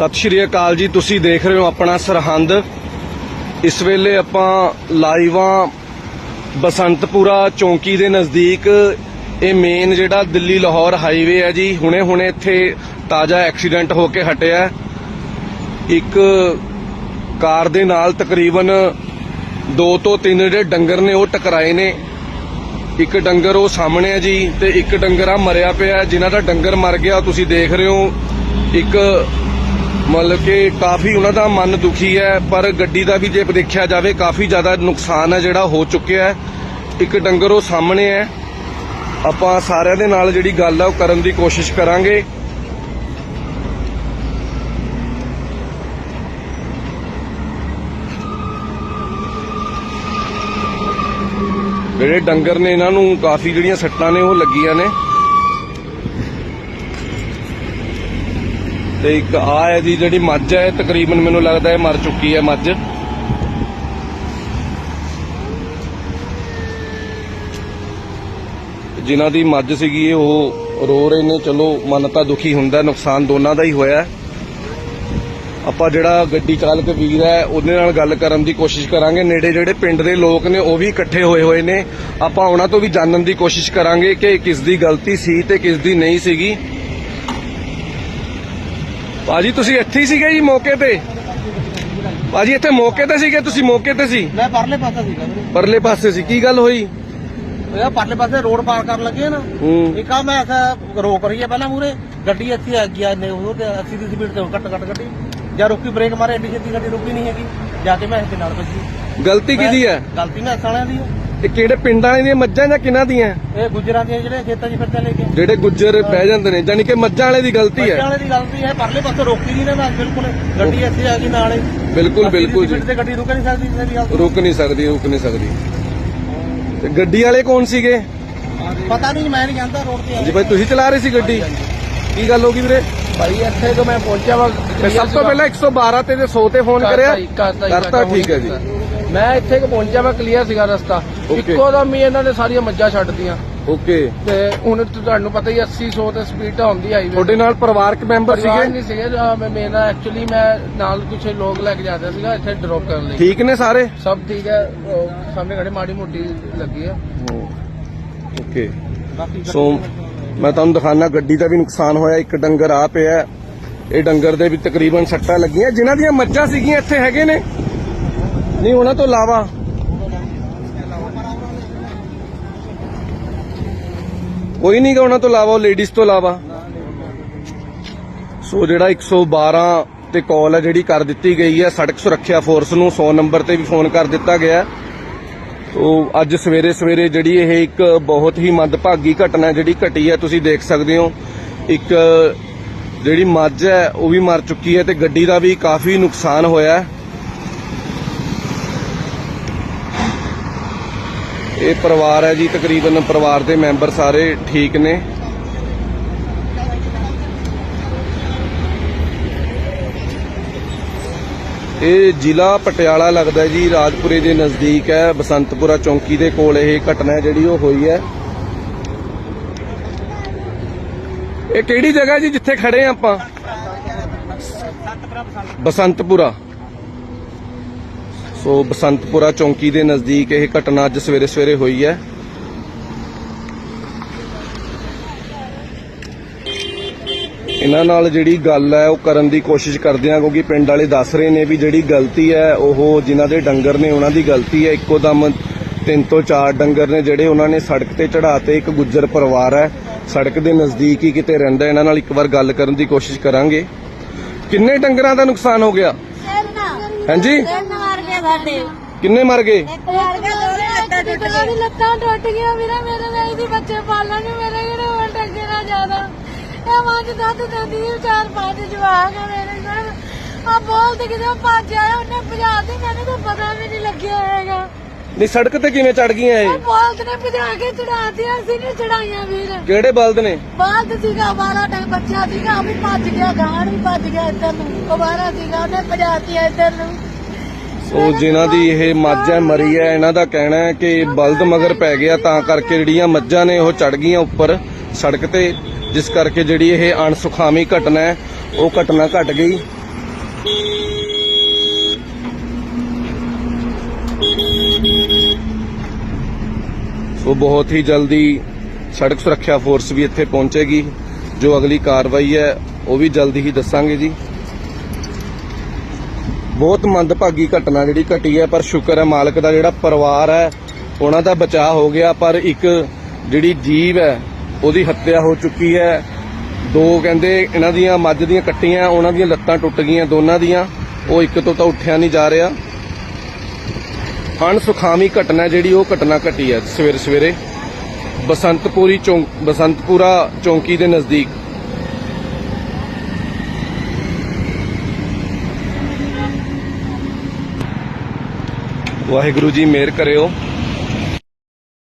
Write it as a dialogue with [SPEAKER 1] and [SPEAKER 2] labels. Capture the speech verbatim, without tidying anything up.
[SPEAKER 1] सत श्री अकाल जी, तुसी देख रहे हो अपना सरहंद। इस वेले आपां लाइव आ बसंतपुरा चौंकी दे नज़दीक। ये मेन जिहड़ा दिल्ली लाहौर हाईवे है जी, हुणे हुणे इत्थे ताज़ा एक्सीडेंट होके हटिया। एक कार दे नाल तकरीबन दो तो तीन जिहड़े डंगर ने वो टकराए ने। एक डंगर वो सामने है जी, ते एक डंगर आ मरिया पिया। जिन्हां दा डंगर मर गया तुसी देख रहे हो। एक मतलब कि काफ़ी उन्हां दा मन दुखी है, पर गड्डी का भी जे देखा जाए काफ़ी ज़्यादा नुकसान है जिहड़ा हो चुकिया है। एक डंगर वो सामने है। आपां सारिਆਂ ਦੇ ਨਾਲ ਜਿਹੜੀ ਗੱਲ है वो करन दी कोशिश करांगे। ਜਿਹੜੇ ਡੰਗਰ ਨੇ ਇਹਨਾਂ ਨੂੰ ਕਾਫੀ ਜਿਹੜੀਆਂ ਸੱਟਾਂ ਨੇ ਉਹ ਲੱਗੀਆਂ ਨੇ। ਤੇ ਇੱਕ ਆ ਹੈ ਜੀ ਜਿਹੜੀ ਮੱਝ ਹੈ, ਤਕਰੀਬਨ ਮੈਨੂੰ ਲੱਗਦਾ ਹੈ ਮਰ ਚੁੱਕੀ ਹੈ ਮੱਝ। ਜਿਨ੍ਹਾਂ ਦੀ ਮੱਝ ਸੀਗੀ ਉਹ ਰੋ ਰਹੇ ਨੇ। ਚਲੋ ਮਨ ਤਾਂ ਦੁਖੀ ਹੁੰਦਾ, ਨੁਕਸਾਨ ਦੋਨਾਂ ਦਾ ਹੀ ਹੋਇਆ। ਆਪਾਂ ਜਿਹੜਾ ਗੱਡੀ ਚਾਲਕ ਵੀਰ ਹੈ ਉਹਦੇ ਨਾਲ ਗੱਲ ਕਰਨ ਦੀ ਕੋਸ਼ਿਸ਼ ਕਰਾਂਗੇ। ਨੇੜੇ ਜਿਹੜੇ ਪਿੰਡ ਦੇ ਲੋਕ ਨੇ ਉਹ ਵੀ ਇਕੱਠੇ ਹੋਏ ਹੋਏ ਨੇ। ਆਪਾਂ ਉਹਨਾਂ ਤੋਂ ਵੀ ਜਾਣਨ ਦੀ ਕੋਸ਼ਿਸ਼ ਕਰਾਂਗੇ ਕਿ ਕਿਸ ਦੀ ਗਲਤੀ ਸੀ ਤੇ ਕਿਸ ਦੀ ਨਹੀਂ ਸੀਗੀ। ਭਾਜੀ ਤੁਸੀਂ ਇੱਥੇ ਹੀ ਸੀਗੇ ਜੀ ਮੌਕੇ ਤੇ? ਭਾਜੀ ਇੱਥੇ ਮੌਕੇ ਤੇ ਸੀਗੇ ਤੁਸੀਂ? ਮੌਕੇ ਤੇ ਸੀ?
[SPEAKER 2] ਮੈਂ ਪਰਲੇ ਪਾਸੇ ਸੀਗਾ ਵੀਰੇ।
[SPEAKER 1] ਪਰਲੇ ਪਾਸੇ ਸੀ? ਕੀ ਗੱਲ ਹੋਈ?
[SPEAKER 2] ਉਹ ਪਰਲੇ ਪਾਸੇ ਰੋਡ ਪਾਰ ਕਰਨ ਲੱਗੇ ਨਾ, ਇੱਕ ਆ ਮੈਂ ਰੋਕ ਰਹੀ ਹੈ ਪਹਿਲਾਂ ਮੂਰੇ ਗੱਡੀ, ਇੱਥੇ ਆ ਗਿਆ ਨੇ ਉਹ ਤੇ अस्सी ਦੀ ਸਪੀਡ ਤੇ ਕੱਟ ਕੱਟ ਗੱਡੀ ਜਾਂ ਰੋਕੀ ਬ੍ਰੇਕ ਮਾਰੇ, ਐਡੀ ਛੇਤੀ ਗੱਡੀ ਰੁਕੀ ਨਹੀਂ ਹੈਗੀ, ਜਾ ਕੇ ਮੈਂ ਇਸ ਦੇ ਨਾਲ ਵੱਜੀ।
[SPEAKER 1] ਗਲਤੀ ਕਿਹਦੀ ਹੈ?
[SPEAKER 2] ਗਲਤੀ ਮੈਂ ਸਾਲਿਆਂ ਦੀ ਹੈ।
[SPEAKER 1] ਇਹ ਕਿਹੜੇ ਪਿੰਡਾਂ ਵਾਲਿਆਂ ਦੀਆਂ ਮੱਝਾਂ ਜਾਂ ਕਿਹਨਾਂ ਦੀਆਂ?
[SPEAKER 2] ਇਹ ਗੁੱਜਰਾਂ ਦੀਆਂ ਜਿਹੜੇ ਖੇਤਾਂ 'ਚ ਫਿਰਦੇ ਲੈ ਕੇ
[SPEAKER 1] ਜਿਹੜੇ ਗੁੱਜਰ ਬਹਿ ਜਾਂਦੇ ਨੇ, ਜਾਨੀ ਕਿ ਮੱਝਾਂ ਵਾਲੇ ਦੀ ਗਲਤੀ ਹੈ।
[SPEAKER 2] ਮੱਝਾਂ ਵਾਲੇ ਦੀ ਗਲਤੀ ਹੈ। ਪਰਲੇ ਪਾਸੇ ਰੋਕੀ ਨਹੀਂ ਨਾ ਮੈਂ ਬਿਲਕੁਲ, ਗੱਡੀ ਇੱਥੇ ਆ ਗਈ ਨਾਲ ਹੀ।
[SPEAKER 1] ਬਿਲਕੁਲ ਬਿਲकुल ਜੀ,
[SPEAKER 2] ਤੇ ਗੱਡੀ ਰੁਕ ਨਹੀਂ ਸਕਦੀ ਮੇਰੀ ਗੱਲ।
[SPEAKER 1] ਰੁਕ ਨਹੀਂ ਸਕਦੀ, ਰੁਕ ਨਹੀਂ ਸਕਦੀ। ਤੇ ਗੱਡੀ ਵਾਲੇ ਕੌਣ ਸੀਗੇ?
[SPEAKER 2] ਪਤਾ ਨਹੀਂ, ਮੈਂ ਨਹੀਂ ਜਾਣਦਾ ਰੋਡ ਤੇ।
[SPEAKER 1] ਜੀ ਭਾਈ ਤੁਸੀਂ ਚਲਾ ਰਹੇ ਸੀ ਗੱਡੀ? ਕੀ ਗੱਲ ਹੋ ਗਈ ਵੀਰੇ?
[SPEAKER 2] ਭਾਈ ਇੱਥੇ ਤੋਂ ਮੈਂ ਪਹੁੰਚਿਆ ਵਾ,
[SPEAKER 1] ਸਭ ਤੋਂ ਪਹਿਲਾਂ ਇੱਕ ਸੌ ਬਾਰਾਂ ਤੇ ਸੌ ਤੇ ਫੋਨ ਕਰਿਆ? ਕਰਤਾ, ਠੀਕ ਹੈ ਜੀ।
[SPEAKER 2] ਮੈਂ ਇੱਥੇ ਕਿ ਪਹੁੰਚਿਆ ਵਾ, ਕਲੀਅਰ ਸੀਗਾ ਰਸਤਾ। ਇੱਕੋ ਦਮ ਹੀ ਇਹਨਾਂ ਨੇ ਸਾਰੀਆਂ ਮੱਝਾਂ ਛੱਡਤੀਆਂ।
[SPEAKER 1] ਓਕੇ।
[SPEAKER 2] ਤੇ ਹੁਣ ਤੁਹਾਨੂੰ ਪਤਾ ਹੀ अस्सी सौ ਤੇ ਸਪੀਡ ਤਾਂ ਹੁੰਦੀ ਹਾਈਵੇ।
[SPEAKER 1] ਤੁਹਾਡੇ ਨਾਲ ਪਰਿਵਾਰਕ ਮੈਂਬਰ ਸੀਗੇ?
[SPEAKER 2] ਨਹੀਂ ਸੀਗੇ, ਮੇਰਾ ਐਕਚੁਅਲੀ ਮੈਂ ਨਾਲ ਕੁਝ ਲੋਕ ਲੈ ਕੇ ਜਾਂਦਾ ਸੀਗਾ ਇੱਥੇ ਡ੍ਰੌਪ ਕਰਨ ਲਈ।
[SPEAKER 1] ਠੀਕ ਨੇ ਸਾਰੇ?
[SPEAKER 2] ਸਭ ਠੀਕ ਹੈ। ਸਾਹਮਣੇ ਖੜੇ ਮਾੜੀ ਮੋਟੀ ਲੱਗੀ ਆ।
[SPEAKER 1] ਓਕੇ। ਸੋ ਮੈਂ ਤੁਹਾਨੂੰ ਦਿਖਾਣਾ ਗੱਡੀ ਦਾ ਵੀ ਨੁਕਸਾਨ ਹੋਇਆ। ਇੱਕ ਡੰਗਰ ਆ ਪਿਆ, ਇਹ ਡੰਗਰ ਦੇ ਵੀ ਤਕਰੀਬਨ ਸੱਟਾਂ ਲੱਗੀਆਂ। ਜਿਨ੍ਹਾਂ ਦੀਆਂ ਮੱਝਾਂ ਸੀਗੀਆਂ ਇੱਥੇ ਹੈਗੇ ਨੇ? ਨਹੀਂ, ਉਹਨਾਂ ਤੋਂ ਇਲਾਵਾ ਕੋਈ ਨਹੀਂ ਗਾ, ਉਹਨਾਂ ਤੋਂ ਇਲਾਵਾ, ਲੇਡੀਜ਼ ਤੋਂ ਇਲਾਵਾ। ਸੋ ਜਿਹੜਾ ਇੱਕ ਸੌ ਬਾਰਾਂ ਤੇ ਕਾਲ ਹੈ ਜਿਹੜੀ ਕਰ ਦਿੱਤੀ ਗਈ ਹੈ ਸੜਕ ਸੁਰੱਖਿਆ ਫੋਰਸ ਨੂੰ, ਸੌ ਨੰਬਰ ਤੇ ਵੀ ਫੋਨ ਕਰ ਦਿੱਤਾ ਗਿਆ। ਤੋ ਅੱਜ ਸਵੇਰੇ ਸਵੇਰੇ ਜਿਹੜੀ ਇਹ ਇੱਕ ਬਹੁਤ ਹੀ ਮੰਦਭਾਗੀ ਘਟਨਾ ਜਿਹੜੀ ਘਟੀ ਹੈ, ਤੁਸੀਂ ਦੇਖ ਸਕਦੇ ਹੋ। ਇੱਕ ਜਿਹੜੀ ਮੱਝ ਹੈ ਉਹ ਵੀ ਮਰ ਚੁੱਕੀ ਹੈ ਤੇ ਗੱਡੀ ਦਾ ਵੀ ਕਾਫੀ ਨੁਕਸਾਨ ਹੋਇਆ। ਇਹ ਪਰਿਵਾਰ ਹੈ ਜੀ, ਤਕਰੀਬਨ ਪਰਿਵਾਰ ਦੇ ਮੈਂਬਰ ਸਾਰੇ ਠੀਕ ਨੇ। ਇਹ ਜ਼ਿਲ੍ਹਾ ਪਟਿਆਲਾ ਲੱਗਦਾ ਜੀ, ਰਾਜਪੁਰੇ ਦੇ ਨਜ਼ਦੀਕ ਹੈ। ਬਸੰਤਪੁਰਾ ਚੌਂਕੀ ਦੇ ਕੋਲ ਇਹ ਘਟਨਾ ਜਿਹੜੀ ਉਹ ਹੋਈ ਹੈ। ਇਹ ਕਿਹੜੀ ਜਗ੍ਹਾ ਜੀ ਜਿੱਥੇ ਖੜੇ ਆ ਆਪਾਂ? ਬਸੰਤਪੁਰਾ। ਸੋ ਬਸੰਤਪੁਰਾ ਚੌਂਕੀ ਦੇ ਨਜ਼ਦੀਕ ਇਹ ਘਟਨਾ ਅੱਜ ਸਵੇਰੇ ਸਵੇਰੇ ਹੋਈ ਹੈ। ਇਹਨਾਂ ਨਾਲ ਜਿਹੜੀ ਗੱਲ ਹੈ ਉਹ ਕਰਨ ਦੀ ਕੋਸ਼ਿਸ਼ ਕਰਦੇ ਆ, ਕਿਉਂਕਿ ਪਿੰਡ ਵਾਲੇ ਦੱਸ ਰਹੇ ਨੇ ਵੀ ਜਿਹੜੀ ਗਲਤੀ ਹੈ ਉਹ ਜਿਨ੍ਹਾਂ ਦੇ ਡੰਗਰ ਨੇ ਉਹਨਾਂ ਦੀ ਗਲਤੀ ਹੈ। ਇੱਕੋ ਦਮ ਤਿੰਨ ਤੋਂ ਚਾਰ ਡੰਗਰ ਨੇ ਜਿਹੜੇ ਉਹਨਾਂ ਨੇ ਸੜਕ ਤੇ ਚੜਾਤੇ। ਇੱਕ ਗੁੱਜਰ ਪਰਿਵਾਰ ਹੈ, ਸੜਕ ਦੇ ਨਜ਼ਦੀਕ ਹੀ ਕਿਤੇ ਰਹਿੰਦਾ। ਇਹਨਾਂ ਨਾਲ ਇੱਕ ਵਾਰ ਗੱਲ ਕਰਨ ਦੀ ਕੋਸ਼ਿਸ਼ ਕਰਾਂਗੇ। ਕਿੰਨੇ ਡੰਗਰਾਂ ਦਾ ਨੁਕਸਾਨ ਹੋ ਗਿਆ? ਹਾਂਜੀ, ਕਿੰਨੇ ਮਰ ਗਏ?
[SPEAKER 3] ਲੱਤਾਂ ਟੁੱਟ ਗਈਆਂ ਵੀਰੇ ਮੇਰੇ, ਨਹੀਂ ਦੀ ਬੱਚੇ ਪਾਲਣ ਨੂੰ ਮੇਰੇ ਕਿਹੜੇ ਹੋਰ ਡੰਗੇ ਨਾ ਜ਼ਿਆਦਾ। ਇਹ ਮੱਝ ਦੁੱਧ ਦਿੰਦੀ ਚਾਰ ਪੰਜ ਜਵਾਕ ਆ ਮੇਰੇ ਨਾਲ। ਆ ਬੋਲ ਤੇ ਕਿਤੇ ਭੱਜ ਆਇਆ, ਉਹਨੇ ਭਜਾ ਦੀ, ਮੈਨੂੰ ਤਾਂ ਪਤਾ ਵੀ ਨਹੀਂ ਲੱਗਿਆ ਹੈਗਾ।
[SPEAKER 1] ਨਹੀਂ, ਸੜਕ ਤੇ ਕਿਵੇਂ ਚੜ ਗਈਆਂ ਇਹ?
[SPEAKER 3] ਬਲਦ ਨੇ ਭਜਾ ਕੇ ਚੜਾਤੀਆਂ, ਅਸੀਂ ਨਹੀਂ ਚੜਾਈਆਂ ਵੀਰ।
[SPEAKER 1] ਕਿਹੜੇ ਬਲਦ ਨੇ?
[SPEAKER 3] ਬਲਦ ਸੀਗਾ, ਬਾਰਾਂ ਟੰਗ ਬੱਚਾ ਸੀਗਾ, ਉਹ ਵੀ ਭੱਜ ਗਿਆ, ਗਾਂ ਵੀ ਭੱਜ ਗਿਆ ਇੱਧਰ ਨੂੰ। ਉਹ ਬਾਰਾਂ ਸੀਗਾ, ਉਹਨੇ ਭਜਾਤੀ ਇੱਧਰ ਨੂੰ।
[SPEAKER 1] ਸੋ ਜਿਨ੍ਹਾਂ ਦੀ ਇਹ ਮੱਝ ਹੈ ਮਰੀ ਹੈ, ਇਹਨਾਂ ਦਾ ਕਹਿਣਾ ਹੈ ਕਿ ਬਲਦ ਮਗਰ ਪੈ ਗਿਆ, ਤਾਂ ਕਰਕੇ ਜਿਹੜੀਆਂ ਮੱਝਾਂ ਨੇ ਉਹ ਚੜ ਗਈਆਂ ਉੱਪਰ ਸੜਕ ਤੇ, ਜਿਸ ਕਰਕੇ ਜਿਹੜੀ ਇਹ ਅਣਸੁਖਾਵੀ ਘਟਨਾ ਹੈ ਉਹ ਘਟਨਾ ਘਟ ਗਈ। ਉਹ ਬਹੁਤ ਹੀ ਜਲਦੀ ਸੜਕ ਸੁਰੱਖਿਆ ਫੋਰਸ ਵੀ ਇੱਥੇ ਪਹੁੰਚੇਗੀ। ਜੋ ਅਗਲੀ ਕਾਰਵਾਈ ਹੈ ਉਹ ਵੀ ਜਲਦੀ ਹੀ ਦੱਸਾਂਗੇ ਜੀ। ਬਹੁਤ ਮੰਦਭਾਗੀ ਘਟਨਾ ਜਿਹੜੀ ਘਟੀ ਹੈ, ਪਰ ਸ਼ੁਕਰ ਹੈ ਮਾਲਕ ਦਾ ਜਿਹੜਾ ਪਰਿਵਾਰ ਹੈ ਉਹਨਾਂ ਦਾ ਬਚਾਅ ਹੋ ਗਿਆ, ਪਰ ਇੱਕ ਜਿਹੜੀ ਜੀਵ ਹੈ ਉਹਦੀ ਹੱਤਿਆ ਹੋ ਚੁੱਕੀ ਹੈ। ਦੋ ਕਹਿੰਦੇ ਇਹਨਾਂ ਦੀਆਂ ਮੱਝ ਦੀਆਂ ਕੱਟੀਆਂ, ਉਹਨਾਂ ਦੀਆਂ ਲੱਤਾਂ ਟੁੱਟ ਗਈਆਂ ਦੋਨਾਂ ਦੀਆਂ, ਉਹ ਇੱਕ ਤੋਂ ਤਾਂ ਉੱਠਿਆ ਨਹੀਂ ਜਾ ਰਿਹਾ। ਅਣਸੁਖਾਵੀ ਘਟਨਾ ਜਿਹੜੀ ਉਹ ਘਟਨਾ ਘਟੀ ਹੈ ਸਵੇਰੇ ਸਵੇਰੇ ਬਸੰਤਪੁਰੀ ਚੌਂਕ ਬਸੰਤਪੁਰਾ ਚੌਂਕੀ ਦੇ ਨਜ਼ਦੀਕ। ਵਾਹਿਗੁਰੂ ਜੀ ਮਿਹਰ ਕਰਿਓ।